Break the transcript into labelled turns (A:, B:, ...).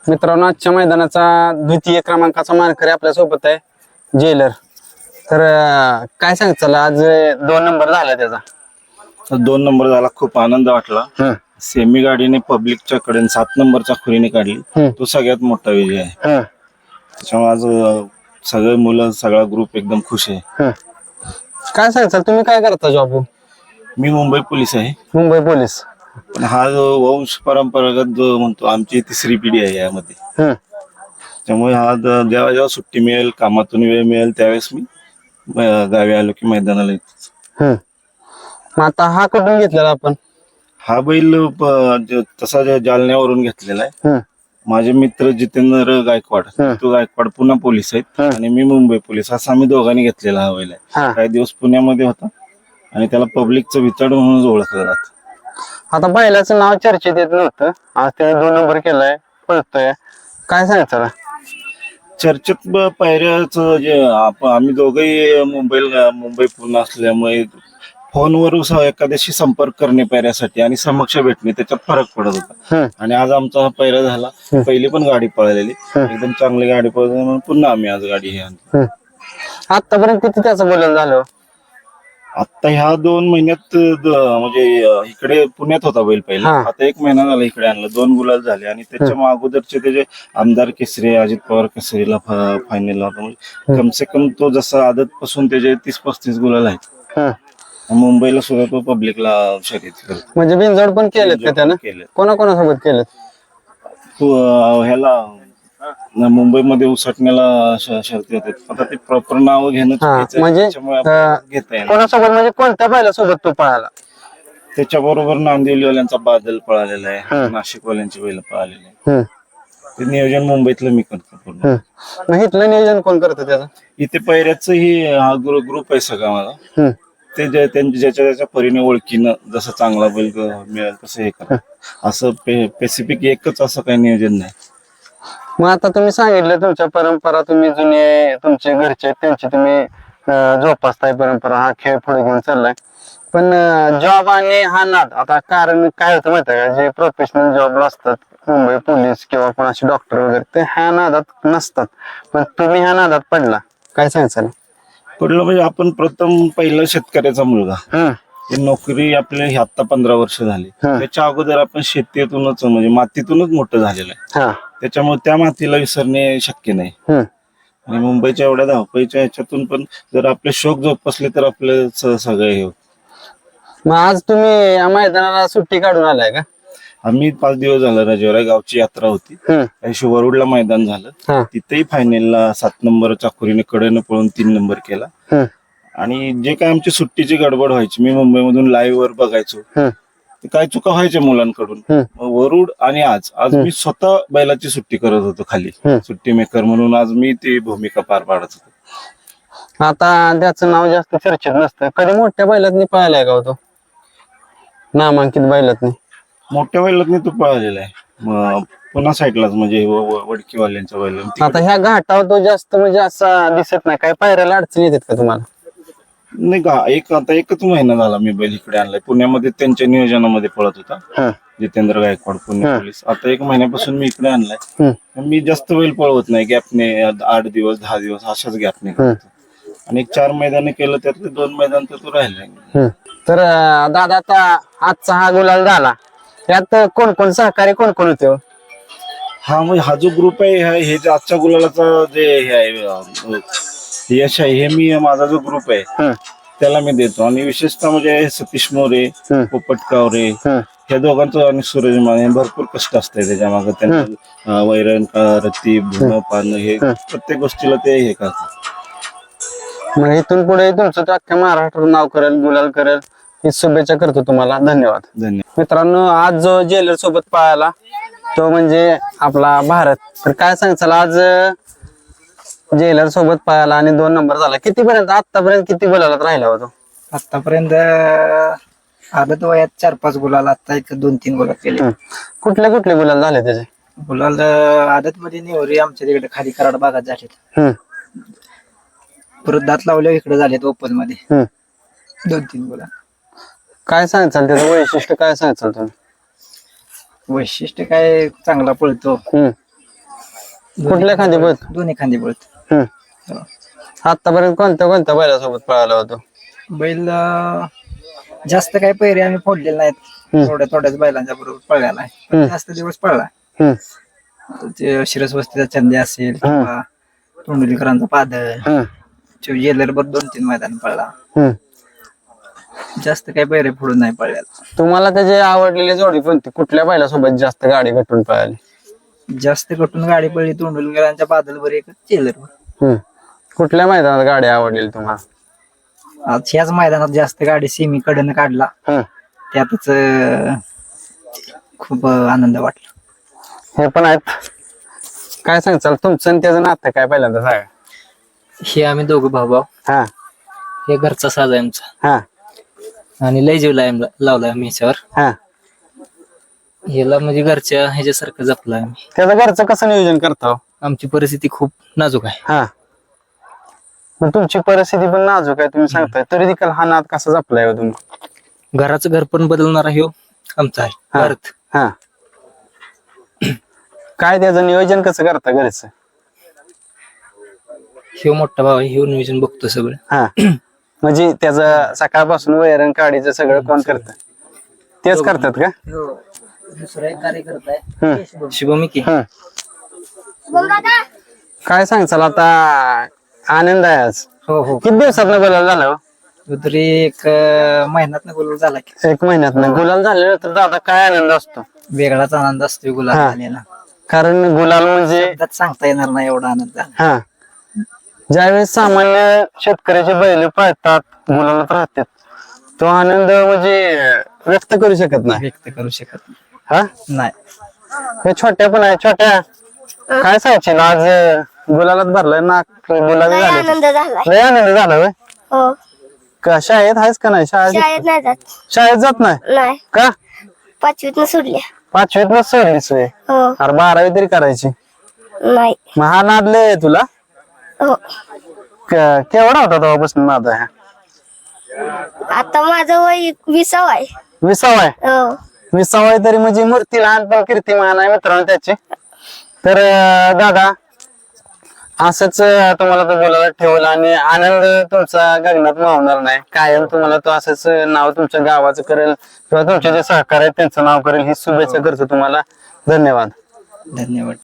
A: मित्रांनो, आजच्या मैदानाचा द्वितीय क्रमांकाचा मानकरी आपल्या सोबत आहे जेलर. तर काय सांगचाल, आज 2 नंबर झाला त्याचा.
B: 2 नंबर झाला, खूप आनंद वाटला. सेमी गाडीने पब्लिकच्या कडे 7 नंबरच्या खुरीने काढली, तो सगळ्यात मोठा विजय आहे. त्याच्यामुळे आज सगळे मुलं, सगळा ग्रुप एकदम खुश आहे.
A: काय सांगचाल, तुम्ही काय करता जॉब?
B: मी मुंबई पोलीस आहे.
A: मुंबई पोलीस.
B: पण हा जो वंश परंपरागत जो म्हणतो, आमची 3री पिढी आहे यामध्ये. त्यामुळे हा जेव्हा जेव्हा सुट्टी मिळेल, कामातून वेळ मिळेल, त्यावेळेस मी गावी आलो की मैदानाला येतो.
A: मग आता हा कुठून घेतलेला आपण?
B: हा बैल तसा जालन्यावरून घेतलेला आहे. माझे मित्र जितेंद्र गायकवाड, तो गायकवाड पुन्हा पोलीस आहेत आणि मी मुंबई पोलीस, असा आम्ही दोघांनी घेतलेला हा बैल आहे. काही दिवस पुण्यामध्ये होता आणि त्याला पब्लिकचं विचार म्हणून ओळखलं जात.
A: आता बैलाचं नाव चर्चेत येत नव्हतं, आज त्याने 2 नंबर केलाय, पळतोय. काय सांगायचं
B: चर्चेत पायऱ्याच जे आम्ही दोघंही मुंबई पूर्ण असल्यामुळे फोनवर एखाद्याशी संपर्क करणे पायऱ्यासाठी आणि समक्ष भेटणे, त्याच्यात फरक पडत होता. आणि आज आमचा हा पायरा झाला. पहिली पण गाडी पळालेली, एकदम चांगली गाडी पळाली म्हणून पुन्हा आम्ही आज गाडी हे आणली.
A: आतापर्यंत किती त्याचं बोलणं झालं?
B: आता ह्या 2 महिन्यात म्हणजे इकडे पुण्यात होता बैल पहिला, आता 1 महिना झाला इकडे आणला. 2 गुलाल झाले आणि त्याच्या अगोदरचे त्याचे आमदार केसरी, अजित पवार केसरीला फायनलला होता. म्हणजे कमसे कम तो जसा आदत पासून त्याचे 30-35 गुलाल आहेत. मुंबईला सुद्धा तो पब्लिकला शर्यत करतो.
A: म्हणजे बिनजोड पण केलेत का त्यानं? कोणाकोणासोबत केलेत?
B: ह्याला मुंबईमध्ये उसटण्याला शर्ती होते. आता ते प्रॉपर नाव घेणं
A: म्हणजे
B: घेता येईल.
A: कोणासोबत म्हणजे कोणत्या बैलासोबत तो पळाला?
B: त्याच्याबरोबर नांदिवलीवाल्यांचा बादल पळालेला आहे, नाशिकवाल्यांची बैल पळालेली आहे. ते नियोजन मुंबईतलं मी करतो पूर्ण.
A: मग इथलं नियोजन कोण करतं त्याचं? इथे
B: पैऱ्याच हा ग्रुप आहे सगळा माझा. ते ज्याच्या त्याच्या परीने ओळखीनं जसं चांगला बैल मिळेल तसं हे करा, असं स्पेसिफिक एकच असं काही नियोजन नाही.
A: मग आता तुम्ही सांगितलं तुमच्या परंपरा, तुम्ही जुने तुमचे घरचे त्यांची तुम्ही जोपासताय परंपरा, हा खेळ पुढे घेऊन चाललाय. पण जॉब आणि हा नाद, आता कारण काय होतं माहिती आहे का, जे प्रोफेशनल जॉबला असतात, मुंबई पोलीस किंवा कोणाचे डॉक्टर वगैरे, ते ह्या नादात नसतात. पण तुम्ही ह्या नादात पडला, काय सांगायचं?
B: पडलं म्हणजे आपण प्रथम पहिलं शेतकऱ्याचा मुलगा. नोकरी आपली आता 15 वर्ष झाली. त्याच्या अगोदर आपण शेतीतूनच म्हणजे मातीतूनच मोठं झालेलं आहे. त्याच्यामुळे त्या मातीला विसरणे शक्य नाही. आणि मुंबईच्या एवढ्या धावपळीच्या ह्याच्यातून पण जर आपले शौक जोपासले तर आपले सगळे हे होत.
A: मग आज तुम्ही या मैदानाला सुट्टी काढून आलाय का?
B: आम्ही 5 दिवस झालं, राजवाडा गावची यात्रा होती, वरुडला मैदान झालं. तिथेही फायनलला 7 नंबर चाकुरीने कडेनं पळून 3 नंबर केला. आणि जे काय आमची सुट्टीची गडबड व्हायची, मी मुंबईमधून लाईव्ह वर बघायचो, काय चुका व्हायच्या मुलांकडून. वरुड आणि आज मी स्वतः बैलाची सुट्टी करत होतो खाली, सुट्टी मेकर म्हणून आज मी ती भूमिका पार पाडत होतो.
A: आता त्याचं नाव जास्त चर्चेत नसतं. कधी मोठ्या बैलातनी पळालाय का होतो? नामांकित बैलातनी?
B: मोठ्या बैलातनी तो पळालेला आहे पुन्हा साईडलाच, म्हणजे वडकीवाल्यांच्या बैल.
A: आता ह्या घाटावर तो जास्त म्हणजे असा दिसत नाही, काय पायऱ्याला अडचणी येतात का तुम्हाला?
B: नाही का, आता 1च महिना झाला मी बैल इकडे आणलाय. पुण्यामध्ये त्यांच्या नियोजनामध्ये पळत होता जितेंद्र गायकवाड, पुणे पोलीस. आता 1 महिन्यापासून मी इकडे आणलाय. मी जास्त बैल पळवत नाही, गॅपने 8 दिवस 10 दिवस अशाच गॅपने करतो. आणि 4 मैदाने केलं, त्यातले 2 मैदान तर तो राहिलाय.
A: तर दादा, आता आजचा हा गुलाल झाला, त्यात कोण कोण सहकारी कोण कोण होते?
B: म्हणजे हा जो ग्रुप आहे, हे जे आजच्या गुलालाचा जे हे आहे यश आहे, हे मी माझा जो ग्रुप आहे त्याला मी देतो. आणि विशेषतः म्हणजे सतीश मोरे, पोपट कावरे, ह्या दोघांचं आणि सूरज माने भरपूर कष्ट असतंय त्याच्या मागे. त्यांचं वैरण रत्ती भुणं पानं, हे प्रत्येक गोष्टीला ते हे करतात.
A: मग इथून पुढे तुमचं अख्ख्या महाराष्ट्रात नाव करेल, गुलाल करेल, ही शुभेच्छा करतो तुम्हाला. धन्यवाद. मित्रांनो, आज जो जेलर सोबत पळाला तो म्हणजे आपला भारत. तर काय सांगचाल, आज जेलर सोबत पळाला आणि 2 नंबर झाला. आतापर्यंत किती गुलालात राहिला होतो?
C: आतापर्यंत आदत वयात 4-5 गुलाल, आता 2-3 गुलाल केले.
A: कुठले कुठले गुलाल झाले त्याचे?
C: गुलाल आदत मध्ये नेवरी आमच्या तिकडे खाली कराड भागात झालेत. परत दात लावले इकडे झालेत ओपन मध्ये 2-3 गुलाल.
A: काय सांगचाल त्याचं वैशिष्ट्य, काय सांगचाल तुम्ही?
C: वैशिष्ट्य काय, चांगला पळतो,
A: कुठल्या खांदी पळतो?
C: दोन्ही खांदी पळतो. हो.
A: आतापर्यंत कोणत्या कोणत्या बैलासोबत पळाला होतो?
C: बैल जास्त काही पैरे आम्ही फोडलेले नाहीत, थोड्याच बैलांच्या बरोबर पळलेला आहे, पण जास्त दिवस पळला. ते शिरसवस्तीचा चंदे असेल किंवा तोंडलीकरांचा पादळ, जेलरभर 2-3 मैदान पळला. जास्त काही पैरे फोडून नाही पळलेला.
A: तुम्हाला त्याची आवडलेली जोडी कोणती? कुठल्या बैलासोबत जास्त गाडी गटून पळाली?
C: जास्त कटून गाडी पळली तोंडलीकरांच्या पादलवर, एक जेलरवर.
A: कुठल्या मैदानात गाडी आवडलेली तुम्हाला?
C: आज ह्याच मैदानात जास्त गाडी सेमी कडनं काढला, त्यातच खूप आनंद वाटला.
A: हे पण आहेत. काय सांगचाल तुमचं आणि त्याचं नातं काय पहिल्यांदा सांगा.
C: हे आम्ही दोघं भाऊ.
A: हा
C: हे घरचा साज आहे आमचा,
A: हा
C: आणि लय जीव लावलाय आम्ही ह्याच्यावर.
A: हा
C: ह्याला म्हणजे घरच्या ह्याच्यासारखं जपलं आम्ही.
A: त्याचं घरचं कसं नियोजन करता हो?
C: आमची परिस्थिती खूप नाजूक आहे.
A: हा मग तुमची परिस्थिती पण नाजूक आहे तुम्ही सांगताय, तरी देखील हा नाद कसा जपलाय हो तुम्ही?
C: घराचं घर पण बदलणारा ह्यो आमचा आहे भारत.
A: हा काय त्याचं नियोजन कसं करता घरचं?
C: ह्यो मोठा भाऊ आहे, ह्यो नियोजन बघतो सगळं.
A: हा म्हणजे त्याचं सकाळपासून वैरण काढीचं सगळं कोण करत? तेच करतात का?
C: दुसरा एक कार्यकर्ता आहे शुभमी की.
A: काय सांगचाल आता? आनंद आहे आज.
C: हो हो.
A: किती दिवसात गुलाल झाला हो?
C: तरी एक महिन्यात गुलाल झाला की.
A: 1 महिन्यात गुलाल झालेला तर दादा काय आनंद असतो?
C: वेगळाच आनंद असतो गुलाल झालेला.
A: कारण गुलाल म्हणजे
C: शब्दात सांगता येणार नाही एवढा आनंद झाला.
A: हा ज्यावेळेस सामान्य शेतकऱ्याचे बैल पळतात गुलालात राहतात, तो आनंद म्हणजे व्यक्त करू शकत नाही.
C: व्यक्त करू शकत
A: हा
C: नाही.
A: हे छोट्या पण आहे. छोट्या काय सांगशील आज गुलालात भरलाय ना? गुलाबी झाले
D: आनंद झालाय.
A: लय आनंद झाला होय.
D: हो.
A: का शाळेत आहेस का नाही?
D: शाळेत नाही जात.
A: शाळेत जात नाही
D: नाही,
A: का?
D: 5वीत सोडल्या.
A: 5वीत सोडलीस होय?
D: हो.
A: अरे 12वी तरी करायची.
D: नाही.
A: मग हा नाद लय तुला?
D: हो.
A: केवढा होता तेव्हापासून नाद आहे?
D: आता माझं वय 20 आहे.
A: 20 आहे.
D: हो.
A: 20 आहे तरी म्हणजे मूर्ती लहान पण कीर्तिमान आहे मित्रांनो त्याची. तर दादा असंच तुम्हाला तो बोलायला ठेवला आणि आनंद तुमचा गगनात मावणार नाही. कायम तुम्हाला तो असंच नाव तुमच्या गावाचं करेल किंवा तुमचे जे सहकारी आहेत त्यांचं नाव करेल ही शुभेच्छा करतो तुम्हाला. धन्यवाद.
C: धन्यवाद.